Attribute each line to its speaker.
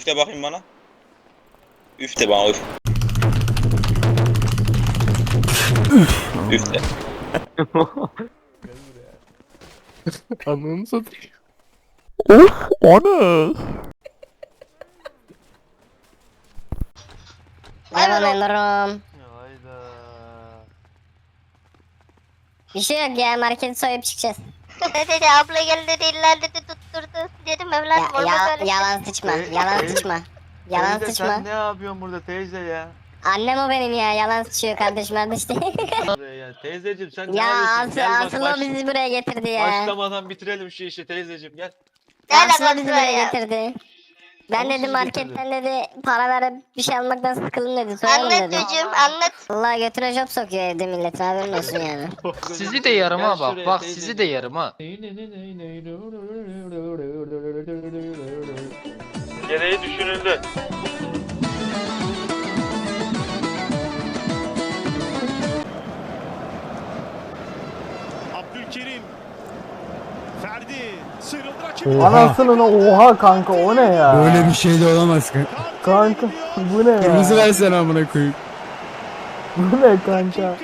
Speaker 1: Üfle bakayım bana. Üfle bana üf. Üfle.
Speaker 2: Ananı satayım. Of ana.
Speaker 3: Merhaba memurum.
Speaker 4: Hayda.
Speaker 3: Bir şey yok ya, marketi soyup çıkacağız.
Speaker 5: Dedi abla geldi dedi illa dedi tutturdu. Dedim evladım olmaz öyle şey.
Speaker 3: Yalan sıçma, yalan sıçma. Yalan
Speaker 4: Teyze
Speaker 3: sıçma.
Speaker 4: sen ne yapıyorsun burada teyze ya?
Speaker 3: Annem o benim ya, yalan sıçıyor kardeşim kardeş değil.
Speaker 4: Ya teyzeciğim sen ne
Speaker 3: Ya
Speaker 4: yapıyorsun? Gel bak
Speaker 3: asıl o bizi buraya getirdi ya.
Speaker 4: başlamadan bitirelim şu işi teyzeciğim gel.
Speaker 5: Ne
Speaker 3: Asıl o
Speaker 5: alakası
Speaker 3: bizi
Speaker 5: var
Speaker 3: buraya
Speaker 5: ya?
Speaker 3: getirdi. Ben
Speaker 4: Ama
Speaker 3: dedim
Speaker 4: sizi
Speaker 3: marketten dedi para verip bir şey almaktan sıkıldım dedi. Soyalım
Speaker 5: Anlat
Speaker 3: dedi.
Speaker 5: çocuğum anlat.
Speaker 3: Allah götüne job sokuyor evde millet, haberin olsun yani.
Speaker 6: Sizi de yarım
Speaker 4: Gel
Speaker 6: ha bak.
Speaker 4: şuraya
Speaker 6: Bak
Speaker 4: teyzeciğim.
Speaker 6: sizi de yarım ha.
Speaker 4: Gereği düşünüldü.
Speaker 7: Abdülkerim. Ferdi. Sıyrıldı rakip.
Speaker 8: Anasının oha kanka o ne ya?
Speaker 2: Böyle bir şey de olamaz kanka.
Speaker 8: Kanka bu ne ya?
Speaker 2: Kırmızı versene amına koyayım.
Speaker 8: Bu ne kanka?